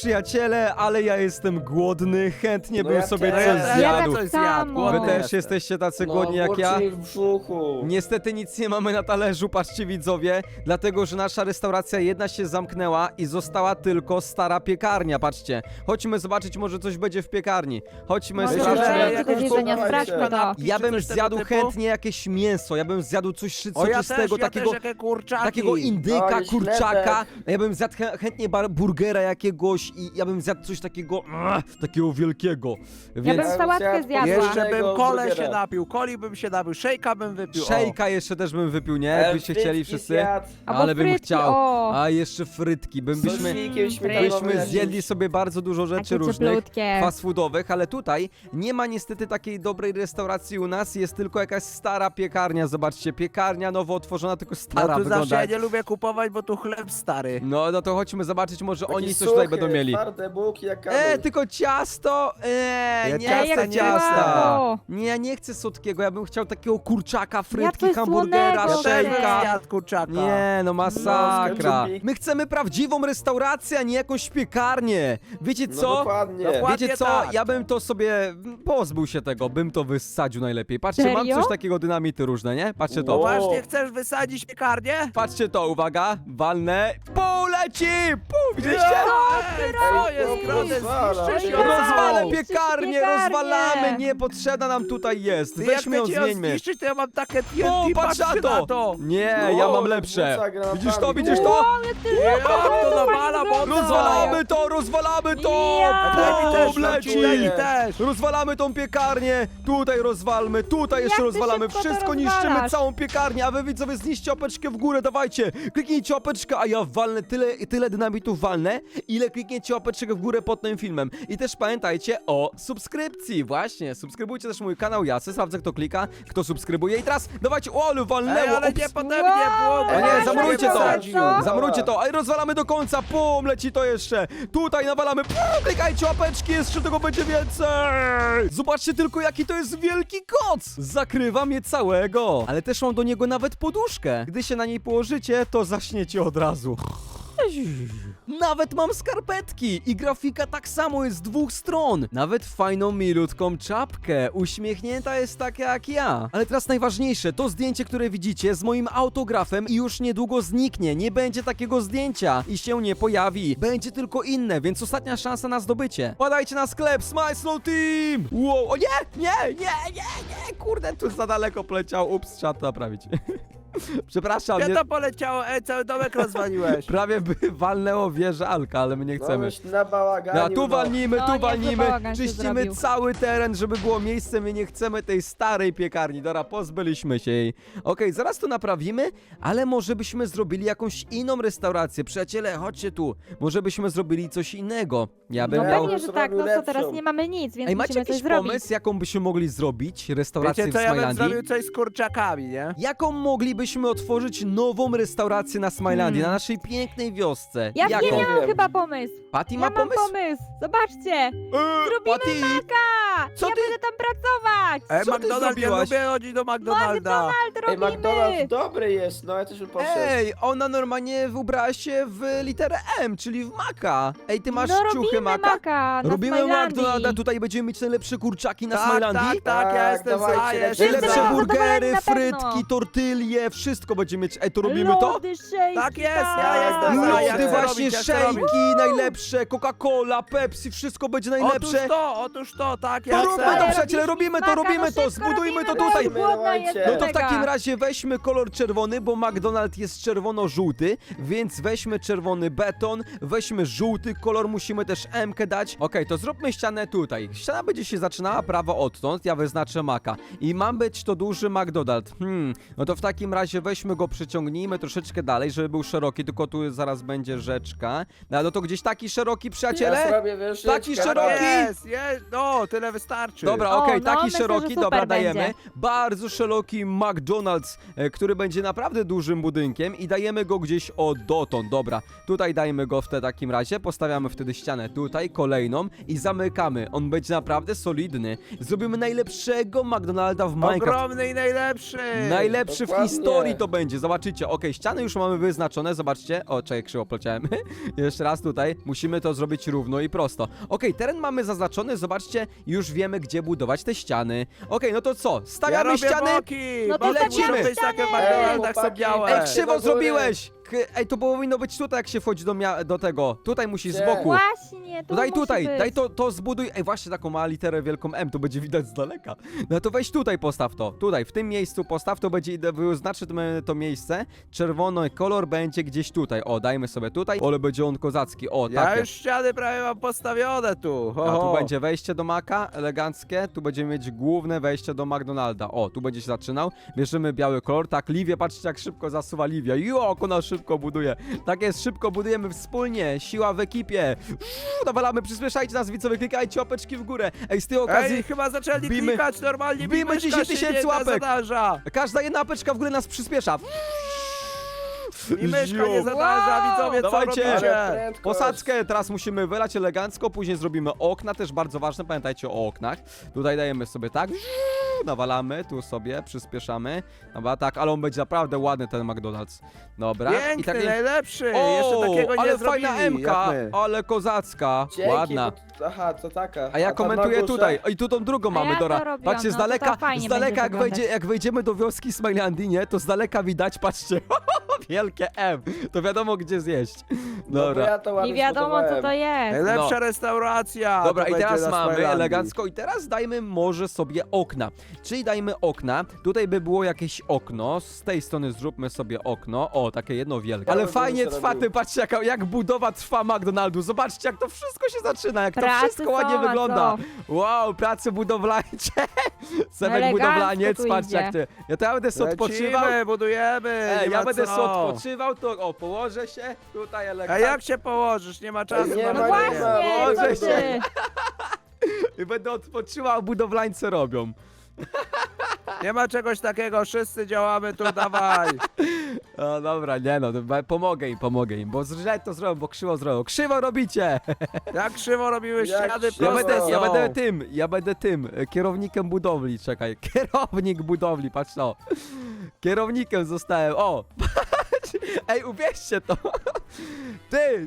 przyjaciele, ale ja jestem głodny, chętnie No bym ja sobie też. coś Ja zjadł. tak coś samo. głodny Wy też jestem. jesteście tacy No, głodni jak ja? burczy mi w brzuchu. Niestety nic nie mamy na talerzu, patrzcie widzowie, dlatego że nasza restauracja jedna się zamknęła i została tylko stara piekarnia, patrzcie. Chodźmy zobaczyć, może coś będzie w piekarni. Chodźmy, Może Myślę, że sprawdźmy. będzie jakąś coś jedzenia, podawajcie. sprawdźmy to. Ja bym Czy coś zjadł tego typu? chętnie jakieś mięso, ja bym zjadł coś O, ja też, soczystego, takiego... jakie kurczaki. Takiego indyka, Ale kurczaka, ja bym zjadł chętnie burgera jakiegoś i ja bym zjadł coś takiego, takiego wielkiego, Ja więc bym sałatkę zjadła. Jeszcze bym Tego kole burgera. się napił, coli bym się napił, szejka bym wypił. o. szejka jeszcze też bym wypił, nie? Jakbyście chcieli Frytki wszyscy, zjadł. Albo ale bym frytki, chciał, o. a jeszcze frytki, byśmy Sosnikiem śmietanowym byśmy jakimś. zjedli sobie bardzo dużo rzeczy Takie różnych, cieplutkie. fast foodowych, ale tutaj nie ma niestety takiej dobrej restauracji u nas, jest tylko jakaś stara piekarnia, zobaczcie, piekarnia nowo otworzona, tylko No stara tu zawsze wygląda. ja nie lubię kupować, bo tu chleb stary. No to chodźmy zobaczyć, może Taki oni coś tutaj suchy, będą mieli. Twarde bułki jak kamień. Tylko ciasto? Ja Nie ciasta chcę nie ciasta. O. Nie, ja nie chcę słodkiego, ja bym chciał takiego kurczaka, frytki, coś hamburgera, słonego Ja też bym Szejka. zjadł kurczaka. Nie, no masakra. No, My chcemy prawdziwą restaurację, a nie jakąś piekarnię. Wiecie No co? dokładnie. Dokładnie. Wiecie co? tak. Ja bym to sobie pozbył się tego, bym to wysadził najlepiej. Patrzcie, mam Serio? coś takiego, dynamity różne, nie? Patrzcie to. Wow. Właśnie chcesz wysadzić piekarnię? Patrzcie to, uwaga, walnę. Pół leci! Pół, widzieliście? Co jest Ej, grane? rozwala. Zniszczysz ją! Rozwalę Niszczysz piekarnię, piekarnię. rozwalamy, niepotrzebna nam tutaj jest. Ty, jak Weźmy ją, chcecie ją zmieńmy. zniszczyć, to ja mam takie O, TNT, patrz patrzcie na to! Nie, No, ja mam lepsze. rzuca granatami. Widzisz to, widzisz to? Jak to nawala mocno! Rozwalamy to! Ja. Daj mi też, Bum, leci! daj mi też! Rozwalamy tą piekarnię, tutaj rozwalmy, tutaj jeszcze ty rozwalamy, szybko to wszystko niszczymy, rozwalasz? całą piekarnię, a wy widzowie zniszcie łapeczkę w górę, dawajcie, kliknijcie łapeczkę, a ja walnę tyle dynamitów walnę, ile klikniecie łapeczkę w górę pod tym filmem. I też pamiętajcie o subskrypcji, właśnie, subskrybujcie też mój kanał, ja se sprawdzę kto klika, kto subskrybuje i teraz dawajcie, o ale Ej, walnęło, ale ups. nie pode mnie było! O bo nie, ja zamrujcie się to! wysadził. Zamrujcie to! Ej, rozwalamy do końca! Pum! Leci to jeszcze! Tutaj nawalamy! Pum! Klikajcie łapeczki! Jeszcze tego będzie więcej! Zobaczcie tylko, jaki to jest wielki koc! Zakrywam je całego! Ale też mam do niego nawet poduszkę. Gdy się na niej położycie, to zaśniecie od razu. Nawet mam skarpetki i grafika tak samo jest z dwóch stron. Nawet fajną, milutką czapkę. Uśmiechnięta jest taka jak ja. Ale teraz najważniejsze, to zdjęcie, które widzicie z moim autografem i już niedługo zniknie. Nie będzie takiego zdjęcia i się nie pojawi. Będzie tylko inne, więc ostatnia szansa na zdobycie. Wpadajcie na sklep Smile Snow Team! Wow, o nie, kurde, tu za daleko poleciał. Ups, trzeba to naprawić. Przepraszam, Gdzie nie... to poleciało? Ej, cały domek rozwaliłeś. Prawie by walnęło wieżę Alka, ale my nie No, chcemy. już na bałaganiu, Ja tu no. walnimy, No, tu niezły walnimy, bałagan się czyścimy zrobił. cały teren, żeby było miejsce, my nie chcemy tej starej piekarni, dobra, pozbyliśmy się jej. Okej, zaraz to naprawimy, ale może byśmy zrobili jakąś inną restaurację, przyjaciele, chodźcie tu, może byśmy zrobili coś innego. Ja bym No miał... pewnie, że tak, no co, lepszą. teraz nie mamy nic, więc Ej, macie musimy coś jakiś zrobić. pomysł, jaką byśmy mogli zrobić restaurację Wiecie co, w ja bym Smilandii? zrobił coś z kurczakami, nie? Jaką moglibyśmy otworzyć nową restaurację na Smilandii, na naszej pięknej wiosce? Ja Jaką? wiem, ja mam wiem. chyba pomysł. Patty Ja ma mam pomysł? pomysł. Zobaczcie. Zrobimy Patty! maka. Co Ja ty- będę tam pracować. Ej, Co ty McDonald's, ja zrobiłaś? lubię chodzić do McDonalda. Ej, robimy. McDonald's dobry jest, no ja też bym poszedł. Ej, ona normalnie ubrała się w literę M, czyli w Maka. Ej, ty masz No ciuchy robimy Maka? maka na Robimy Smilandii. McDonalda, tutaj będziemy mieć najlepsze kurczaki na Tak, Smilandii. tak, ja Tak, jestem za, dawajcie, ja lecimy. jestem Najlepsze Wszyscy za. będą zadowoleni burgery, na pewno. frytki, tortille, wszystko będziemy mieć. Ej, to robimy to? Lody, szejki, Tak jest, ja tak. jestem za, ja Lody, chcę właśnie robić, ja chcę robić. szejki, najlepsze, Coca-Cola, Pepsi, wszystko będzie najlepsze. Otóż to, tak, To ja róbmy chcę. to, przyjaciele, robimy to, Maka, robimy to, szybko zbudujmy to robimy, tutaj. bo głodna jestem No to w mega. takim razie weźmy kolor czerwony, bo McDonald's jest czerwono-żółty, więc weźmy czerwony beton, weźmy żółty kolor, musimy też M-kę dać. Okej, to zróbmy ścianę tutaj. Ściana będzie się zaczynała prawo odtąd, ja wyznaczę Maka. I ma być to duży McDonald's. No to w takim razie weźmy go, przyciągnijmy troszeczkę dalej, żeby był szeroki, tylko tu zaraz będzie rzeczka. No to gdzieś taki szeroki, Ja przyjaciele? zrobię wieżyczkę. Taki szeroki? Jest, no, tyle wystarczy. Dobra, O, okej, no, taki myślę, szeroki, że dobra, super dajemy. będzie. Bardzo szeroki McDonald's, który będzie naprawdę dużym budynkiem i dajemy go gdzieś dotąd, dobra. Tutaj dajmy go w takim razie, postawiamy wtedy ścianę tutaj, kolejną i zamykamy. On będzie naprawdę solidny. Zrobimy najlepszego McDonalda w Minecraft. Ogromny i najlepszy. Najlepszy w Dokładnie. historii to będzie, zobaczycie. Okej, ściany już mamy wyznaczone, zobaczcie. O, czekaj, krzywo poleciałem. Jeszcze raz tutaj, musimy to zrobić równo i prosto. Okej, teren mamy zaznaczony, zobaczcie, już wiemy, gdzie budować te ściany. Okej, no to co, Ja stawiamy robię ściany. boki! No to Boki lecimy. muszą być takie w Ej, McDonaldach są chłopaki. białe. Ej, do krzywo góry. zrobiłeś! Ej, to powinno być tutaj, jak się wchodzi do tego. Tutaj musisz z Gdzie? boku. Właśnie, tu Daj musi tutaj, być. daj to zbuduj. Ej, właśnie taką ma literę wielką M, to będzie widać z daleka. No to weź tutaj postaw to. Tutaj, w tym miejscu postaw, to będzie wyznaczy to miejsce. Czerwony kolor będzie gdzieś tutaj. O, dajmy sobie tutaj. Ale będzie on kozacki. O, Ja takie. już ściany prawie mam postawione tu. Ho, A tu ho. będzie wejście do Maka, eleganckie. Tu będziemy mieć główne wejście do McDonalda. O, tu będzie się zaczynał. Bierzemy biały kolor. Tak, Livia, patrzcie jak szybko zasuwa Livia. Jo, jak ona szybko buduje. Tak jest, szybko budujemy wspólnie. Siła w ekipie. Nawalamy, przyspieszajcie nas, widzowie, klikajcie łapeczki w górę. Ej, z tej okazji... Ej, chyba zaczęli wbijmy- klikać normalnie. wbijmy 10 000 łapek. Zadarza. Każda jedna apeczka w górę nas przyspiesza. I myszka nie Ziu. zadarza, widzowie, co Dawajcie. robicie? Ale prędkość. Posadzkę teraz musimy wylać elegancko, później zrobimy okna, też bardzo ważne, pamiętajcie o oknach. Tutaj dajemy sobie tak, nawalamy, tu sobie przyspieszamy. Dobra, tak, ale on będzie naprawdę ładny ten McDonald's. Dobra. Piękny, takie- najlepszy. Jeszcze takiego nie ale zrobili, fajna jak Emka, my. ale kozacka, Dzięki, ładna. bo- Aha, to taka. A ja tam komentuję na górze? tutaj. I tu tą drugą A mamy, ja to Dora. robiłam, Patrzcie, z no to daleka, to fajnie z daleka będzie jak wejdziemy do wioski Smilandii, nie, to z daleka widać, patrzcie, wielkie M. To wiadomo, gdzie zjeść. No bo Dobra. ja to ładnie Nie wiadomo, co to zbudowałem. jest. Najlepsza No. restauracja. Dobra, to i będzie teraz na mamy Smilandii. elegancko i teraz dajmy może sobie okna. Czyli dajmy okna. Tutaj by było jakieś okno. Z tej strony zróbmy sobie okno. O, takie jedno wielkie. Ale bym fajnie to trwa, robił. ty patrzcie jak budowa trwa McDonaldu. Zobaczcie jak to wszystko się zaczyna, jak to Pracy wszystko ładnie są, a wygląda. co? Wow, prace budowlańcze. Sebek Elegancko budowlaniec, tu patrzcie jak idzie. ty. Ja będę sobie odpoczywał. Lecimy, budujemy. Ej, nie ja ma będę co. sobie odpoczywał, to o, położę się tutaj A elegancko. jak się położysz? Nie ma czasu Nie na ma, No nie budowanie. ma. właśnie, Boże co się. ty? I będę odpoczywał, a budowlańcy robią. Nie ma czegoś takiego, wszyscy działamy tu, dawaj. No dobra, nie no, pomogę im, bo źle to zrobią, bo krzywo zrobią. Krzywo robicie! Jak krzywo robiły Jak ściany, krzywo. proste Ja będę tym, kierownikiem budowli, czekaj, kierownik budowli, patrz to. Kierownikiem zostałem, o! Patrz, ej, uwierzcie to! Ty,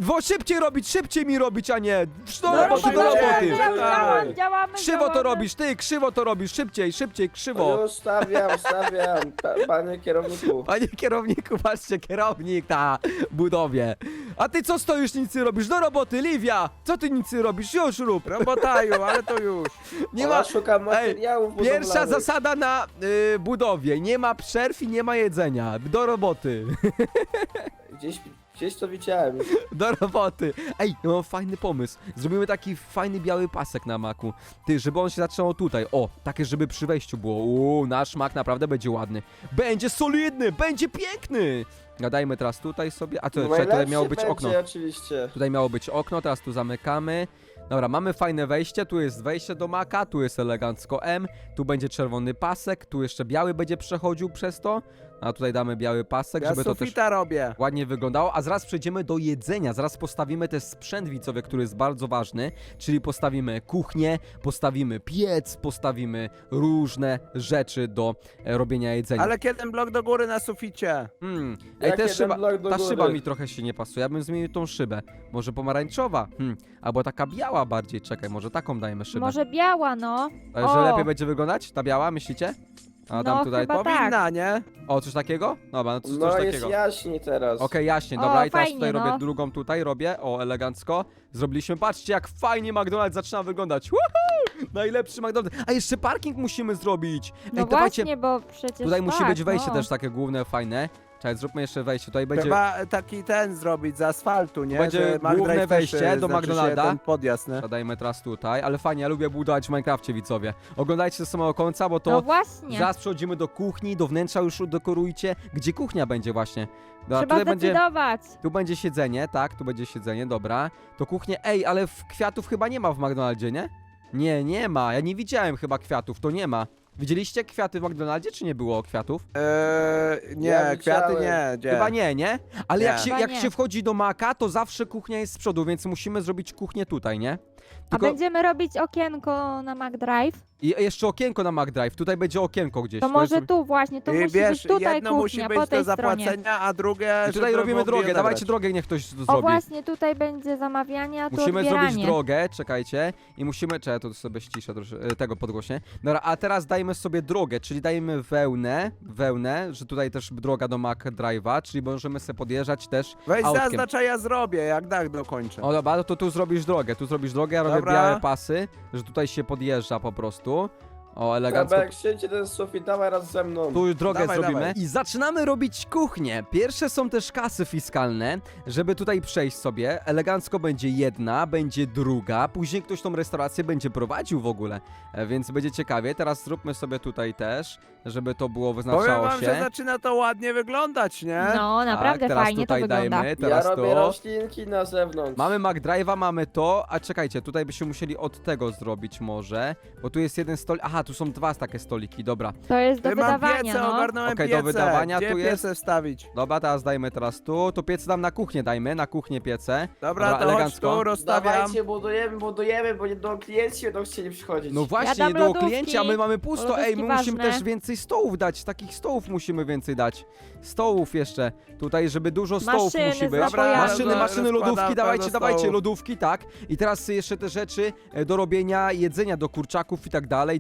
szybciej mi robić, a nie! Do No, roboty, do robimy, roboty! Działamy. Krzywo to robisz, ty, krzywo to robisz, szybciej, krzywo! No już stawiam. Panie kierowniku. Panie kierowniku, patrzcie, kierownik na budowie. A ty co stoisz, nic nie robisz? Do roboty, Livia! Co ty nic nie robisz? Już rób! Robotaju, ale to już. Nie Ja ma... szukam materiałów Pierwsza budowlanych. zasada na budowie. Nie ma przerw i nie ma jedzenia. Do roboty. Gdzieś to widziałem. Do roboty. Ej, ja mam fajny pomysł. Zrobimy taki fajny biały pasek na maku. Ty, żeby on się zaczynał tutaj. O, takie, żeby przy wejściu było. Nasz mak naprawdę będzie ładny. Będzie solidny, będzie piękny. Dajmy teraz tutaj sobie. A to czekaj, tutaj Najlepszy miało być będzie, okno. Oczywiście. Tutaj miało być okno, teraz tu zamykamy. Dobra, mamy fajne wejście, tu jest wejście do maka, tu jest elegancko M, tu będzie czerwony pasek, tu jeszcze biały będzie przechodził przez to, a tutaj damy biały pasek, Ja żeby to też sufita robię. ładnie wyglądało, a zaraz przejdziemy do jedzenia, zaraz postawimy też sprzęt widzowie, który jest bardzo ważny, czyli postawimy kuchnię, postawimy piec, postawimy różne rzeczy do robienia jedzenia. Ale kiedy blok do góry na suficie? Ej, Jak jeden blok do ta góry. szyba mi trochę się nie pasuje, ja bym zmienił tą szybę, może pomarańczowa, albo taka biała bardziej, czekaj, może taką dajmy szybę. Może biała, no. A że O. lepiej będzie wyglądać? Ta biała, myślicie? A dam No, tutaj... chyba Powinna, tak. nie? O, coś takiego? Dobra, no coś No jest takiego. jaśniej teraz. Okej, jaśnie, O, dobra, i teraz fajnie, tutaj robię no. drugą tutaj, robię, o, elegancko. Zrobiliśmy, patrzcie jak fajnie McDonald's zaczyna wyglądać. Woohoo! Najlepszy McDonald's. A jeszcze parking musimy zrobić. No dawajcie, właśnie, bo przecież tutaj musi tak, być wejście no. też takie główne, fajne. Czekaj, zróbmy jeszcze wejście, tutaj będzie... Trzeba taki ten zrobić z asfaltu, nie? Będzie Że McDrive główne też, wejście do znaczy się McDonalda. ten podjazd, nie? Dajmy teraz tutaj, ale fajnie, ja lubię budować w Minecrafcie, widzowie. Oglądajcie do samego końca, bo to... No właśnie. Zaraz przechodzimy do kuchni, do wnętrza już dekorujcie. Gdzie kuchnia będzie właśnie? Dobra, Trzeba zdecydować. tu będzie siedzenie, tak, tu będzie siedzenie, dobra. To kuchnię, ej, ale kwiatów chyba nie ma w McDonaldzie, nie? Nie ma, ja nie widziałem chyba kwiatów, to nie ma. Widzieliście kwiaty w McDonaldzie, czy nie było kwiatów? Nie, Ja kwiaty widziałem. nie. Gdzie? Chyba nie? Ale Nie. jak się, Chyba jak nie. się wchodzi do Maka, to zawsze kuchnia jest z przodu, więc musimy zrobić kuchnię tutaj, nie? A Tylko będziemy robić okienko na McDrive? i jeszcze okienko na McDrive, tutaj będzie okienko gdzieś. To To może jest- tu właśnie, to I musi wiesz, być tutaj jedno kuchnia, musi po być do tej stronie. zapłacenia, a drugie, I tutaj żeby robimy mogli drogę, odebrać. dawajcie drogę, niech ktoś to O zrobi. właśnie, tutaj będzie zamawianie, a tu Musimy odbieranie. zrobić drogę, czekajcie. I musimy, czekaj, to sobie ściszę troszkę, tego podgłośnie. Dobra, a teraz dajmy sobie drogę, czyli dajmy wełnę, że tutaj też droga do McDrive'a, czyli możemy sobie podjeżdżać też Weź autkiem. zaznacz, a ja zrobię, jak dach dokończę. O dobra, to tu zrobisz drogę, ja robię Dobra. białe pasy, że tutaj się podjeżdża po prostu. O, elegancko. Kabek, siedźcie ten sufit, dawaj raz ze mną. Tu już drogę Dawaj, zrobimy. dawaj. I zaczynamy robić kuchnię. Pierwsze są też kasy fiskalne, żeby tutaj przejść sobie. Elegancko będzie jedna, będzie druga. Później ktoś tą restaurację będzie prowadził w ogóle. Więc będzie ciekawie. Teraz zróbmy sobie tutaj też, żeby to było Powiem wyznaczało wam, się. że zaczyna to ładnie wyglądać, nie? No, naprawdę Tak, teraz fajnie to tutaj wygląda. dajmy, Ja teraz robię to. roślinki na zewnątrz. Mamy McDrive'a, mamy to, a czekajcie, tutaj byśmy musieli od tego zrobić może, bo tu jest jeden stolik, aha, tu są dwa takie stoliki, dobra. To jest do Ty mam wydawania, piece, no. ogarnąłem Okej, piece. do wydawania Gdzie tu jest? piece wstawić? Dobra, teraz dajmy teraz tu piece dam na kuchnię, dajmy, na kuchnię piece. Dobra, to chodź elegancko. tu, rozstawiam. Dawajcie, budujemy, bo nie do klienci będą chcieli przychodzić. No właśnie, dam nie było lodówki. klienci, a my mamy pusto, Lodówki ej, my musimy ważne. też więcej stołów dać, takich stołów musimy więcej dać. Stołów jeszcze, tutaj, żeby dużo stołów Maszyny musi z być. napojami. Maszyny, Rozkładam lodówki, pełno dawajcie, stołów. lodówki, tak. I teraz jeszcze te rzeczy do robienia jedzenia do kurczaków i tak dalej,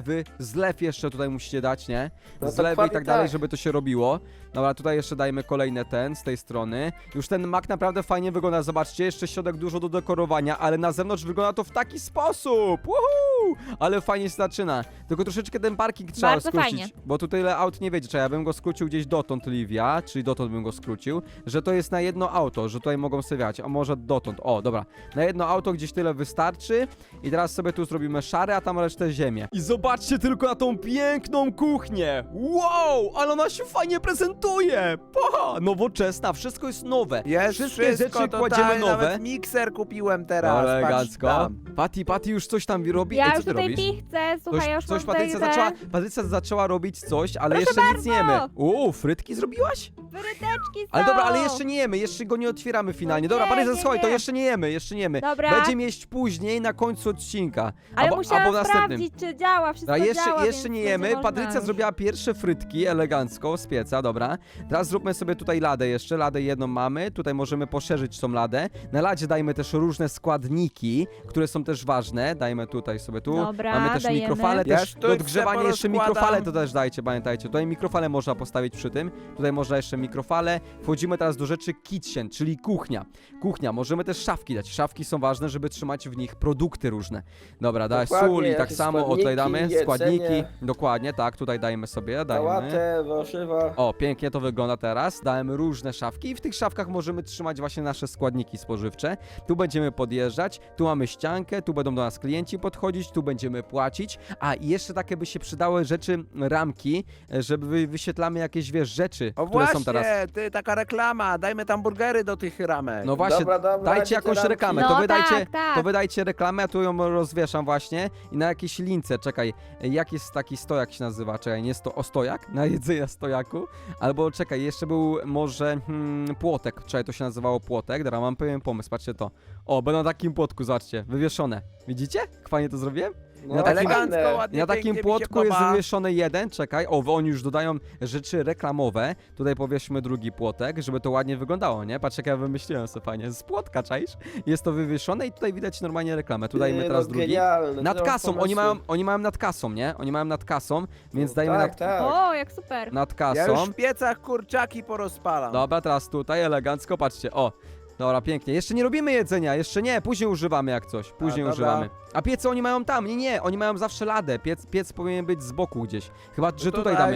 zlew jeszcze tutaj musicie dać, nie? No Zlewy i dokładnie tak dalej, tak. żeby to się robiło. Dobra, tutaj jeszcze dajmy kolejne z tej strony. Już ten mak naprawdę fajnie wygląda, zobaczcie, jeszcze środek dużo do dekorowania, ale na zewnątrz wygląda to w taki sposób. Woohoo! Ale fajnie się zaczyna. Tylko troszeczkę ten parking trzeba Bardzo skrócić, fajnie. bo tu tyle aut nie wiedzie. Czekaj, ja bym go skrócił gdzieś dotąd, Livia, czyli dotąd bym go skrócił, że to jest na jedno auto, że tutaj mogą sobie wjechać, a może dotąd. O, dobra. Na jedno auto gdzieś tyle wystarczy i teraz sobie tu zrobimy szary, a tam resztę ziemię. I zobaczcie tylko na tą piękną kuchnię. Wow, ale ona się fajnie prezentuje. Nowoczesna, wszystko jest nowe. Jest Wszystkie wszystko rzeczy tutaj, kładziemy nowe. nawet mikser kupiłem teraz, Elegancko. patrz tam. Patty już coś tam robi. Ja Ej, co już ty tutaj robisz? pichcę, słuchaj, ja już Coś mam Patrycja tutaj zaczęła, Patrycja zaczęła robić coś, ale Proszę jeszcze nic nie jemy. bardzo. Frytki zrobiłaś? Fryteczki są. Ale dobra, ale jeszcze nie jemy, jeszcze go nie otwieramy finalnie. No Dobra, nie, Patrycja, nie, słuchaj, to nie. jeszcze nie jemy. Dobra. Będziemy jeść później, na końcu odcinka. Ale albo musiałam w następnym. sprawdzić, czy działa, wszystko A działa, jeszcze więc nie będzie jemy. można Patrycja już. zrobiła pierwsze frytki elegancko z pieca, dobra. Teraz zróbmy sobie tutaj ladę jeszcze. Ladę jedną mamy. Tutaj możemy poszerzyć tą ladę. Na ladzie dajmy też różne składniki, które są też ważne. Dajmy tutaj sobie tu. Dobra, mamy też dajemy. mikrofale, Ja też sztućce do odgrzewania jeszcze porozkładam. mikrofale to też dajcie, pamiętajcie. Tutaj mikrofale można postawić przy tym. Tutaj można jeszcze mikrofale. Wchodzimy teraz do rzeczy kitchen, czyli kuchnia. Kuchnia, możemy też szafki dać. Szafki są ważne, żeby trzymać w nich produkty różne. Dobra, daj Dokładnie, sól i tak jakieś samo, o tutaj składniki, damy jedzenie. składniki. Dokładnie, tak, tutaj dajemy sobie, dajemy. Sałatę, warzywa. O, pięknie to wygląda teraz. Dajemy różne szafki i w tych szafkach możemy trzymać właśnie nasze składniki spożywcze. Tu będziemy podjeżdżać, tu mamy ściankę, tu będą do nas klienci podchodzić, tu będziemy płacić. A i jeszcze takie by się przydały rzeczy, ramki, żeby wyświetlamy jakieś, wiesz, rzeczy, O które właśnie, są teraz. ty, taka reklama, dajmy tam burgery do tych ramek. No właśnie, Dobra, dajcie dajcie jakąś te ramki. reklamę, No to wydajcie, tak. to wydajcie reklamę, ja tu ją rozwieszam właśnie i na jakiejś lince, czekaj, jak jest taki stojak się nazywa, czekaj, nie stojak? Na jedzenie stojaku? Albo czekaj, jeszcze był może płotek, czekaj, to się nazywało płotek, dobra, mam pewien pomysł, patrzcie to. O, będą na takim płotku, zobaczcie, wywieszone. Widzicie? Jak fajnie to zrobiłem? No, Na takim- Elegancko, fajne. ładnie, Na takim pięknie mi się płotku jest podoba. wywieszony jeden, czekaj, o, oni już dodają rzeczy reklamowe, tutaj powieszmy drugi płotek, żeby to ładnie wyglądało, nie? Patrz jak ja wymyśliłem sobie fajnie, z płotka, czaisz? Jest to wywieszone i tutaj widać normalnie reklamę, tu dajmy Ty, teraz no, drugi. Genialne, Nad ty masz kasą, pomysły. oni mają nad kasą, nie? Oni mają nad kasą, więc No, dajmy tak, tak. O, jak super. nad Ja kasą. już w piecach kurczaki porozpalam. Dobra, teraz tutaj elegancko, patrzcie, o. Dobra, pięknie. Jeszcze nie robimy jedzenia, jeszcze nie, później używamy jak coś, później dobra. używamy. A piece oni mają tam, nie, oni mają zawsze ladę, piec powinien być z boku gdzieś. Chyba, że tutaj tutaj. damy.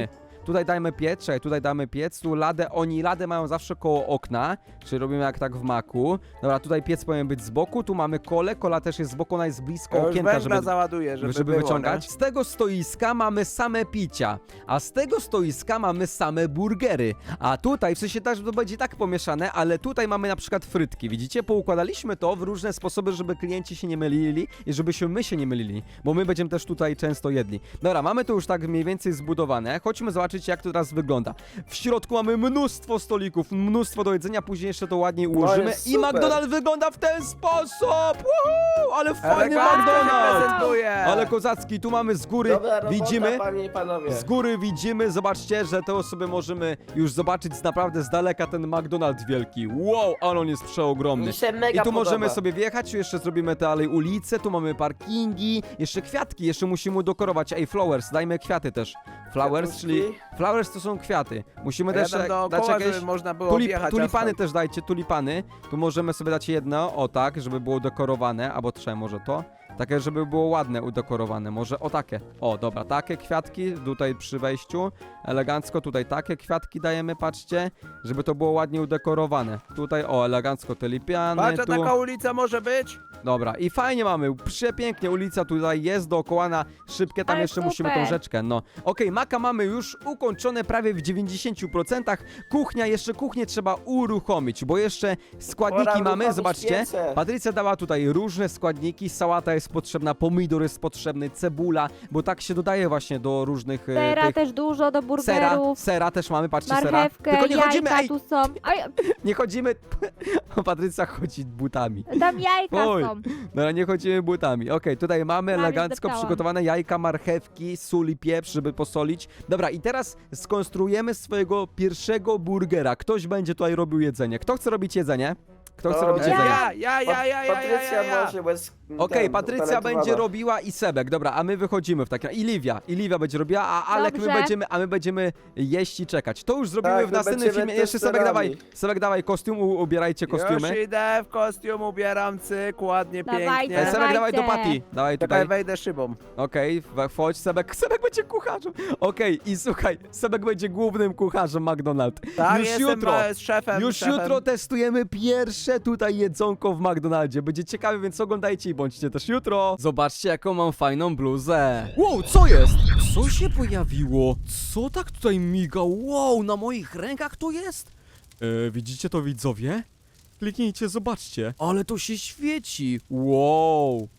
Tutaj dajmy piec, czekaj, tutaj damy piec, tu ladę, oni ladę mają zawsze koło okna, czyli robimy jak tak w maku. Dobra, tutaj piec powinien być z boku, tu mamy kole, kola też jest z boku, ona jest blisko Ja już okienka, węgla żeby załaduję, żeby było, wyciągać. nie? Z tego stoiska mamy same picia, a z tego stoiska mamy same burgery. A tutaj, w sensie też to będzie tak pomieszane, ale tutaj mamy na przykład frytki. Widzicie? Poukładaliśmy to w różne sposoby, żeby klienci się nie mylili i żebyśmy my się nie mylili, bo my będziemy też tutaj często jedli. Dobra, mamy to już tak mniej więcej zbudowane. Chodźmy zobaczyć, jak to teraz wygląda. W środku mamy mnóstwo stolików, mnóstwo do jedzenia, później jeszcze to ładnie ułożymy jest i super. McDonald's wygląda w ten sposób! Woohoo! Ale fajny Elegancko się McDonald's! prezentuje. Ale kozacki, tu mamy z góry, Dobra robota, widzimy, panie i panowie. z góry widzimy, zobaczcie, że to sobie możemy już zobaczyć naprawdę z daleka ten McDonald's wielki. Wow, ale on jest przeogromny. Mi się I mega tu możemy podoba. sobie wjechać, jeszcze zrobimy dalej ulicę, tu mamy parkingi, jeszcze kwiatki, jeszcze musimy udekorować. Ej, flowers, dajmy kwiaty też. Flowers, Kwiatuszki. czyli flowers to są kwiaty. Musimy A ja też tam dać dookoła, jakieś... żeby można było objechać tulipany asfalt. też dajcie, tulipany. Tu możemy sobie dać jedno, o tak, żeby było dekorowane, albo trzeba może to. Takie, żeby było ładne, udekorowane. Może o takie. O, dobra, takie kwiatki tutaj przy wejściu. Elegancko tutaj takie kwiatki dajemy, patrzcie. Żeby to było ładnie udekorowane. Tutaj, o, elegancko te lipiany. Patrz, a Tu. taka ulica może być? Dobra, i fajnie mamy, przepięknie, ulica tutaj jest dookoła na szybkie, tam Ale jeszcze musimy tą super. rzeczkę, no. Okej, maka mamy już ukończone prawie w 90%, kuchnia, jeszcze kuchnię trzeba uruchomić, bo jeszcze składniki Pora mamy, uruchomić zobaczcie, piece. Patrycja dała tutaj różne składniki, sałata jest potrzebna, pomidor jest potrzebny, cebula, bo tak się dodaje właśnie do różnych Sera tych... też dużo do Sera, burgerów. sera też mamy, patrzcie, sera. Marchewkę, Tylko nie chodzimy, jajka ej, tu są. Oj, nie chodzimy, Patrycja chodzi butami. tam jajka Oj. są. No nie chodzimy butami. Okej, tutaj mamy Prawie elegancko zdeptałam. przygotowane jajka, marchewki, sól i pieprz, żeby posolić. Dobra, i teraz skonstruujemy swojego pierwszego burgera. Ktoś będzie tutaj robił jedzenie. Kto chce robić jedzenie? Kto chce To robić ja. jedzenie? Patrycja może, bo jest Okej, ten, Patrycja utalentowana. będzie robiła i Sebek. Dobra, a my wychodzimy w takim... I Livia będzie robiła, a Alek Dobrze. my będziemy jeść i czekać. To już zrobimy Tak, w my następnym będziemy filmie. Jeszcze Sebek testerami. dawaj kostium, ubierajcie kostiumy. Już idę w kostium, ubieram cyk, ładnie, Dawajcie. pięknie. Sebek, dawaj do Dawajcie. Pati. Dawaj Czekaj, tutaj. wejdę szybą. Okej, wchodź, Sebek będzie kucharzem. Okej, i słuchaj, Sebek będzie głównym kucharzem McDonald's. Tak, Już jestem jutro, z szefem. już szefem. jutro testujemy pierwsze tutaj jedzonko w McDonaldzie. Będzie ciekawe, więc oglądajcie i bądźcie też jutro. Zobaczcie, jaką mam fajną bluzę. Wow, co jest? Co się pojawiło? Co tak tutaj miga? Wow, na moich rękach to jest? Widzicie to, widzowie? Kliknijcie, zobaczcie. Ale to się świeci. Wow.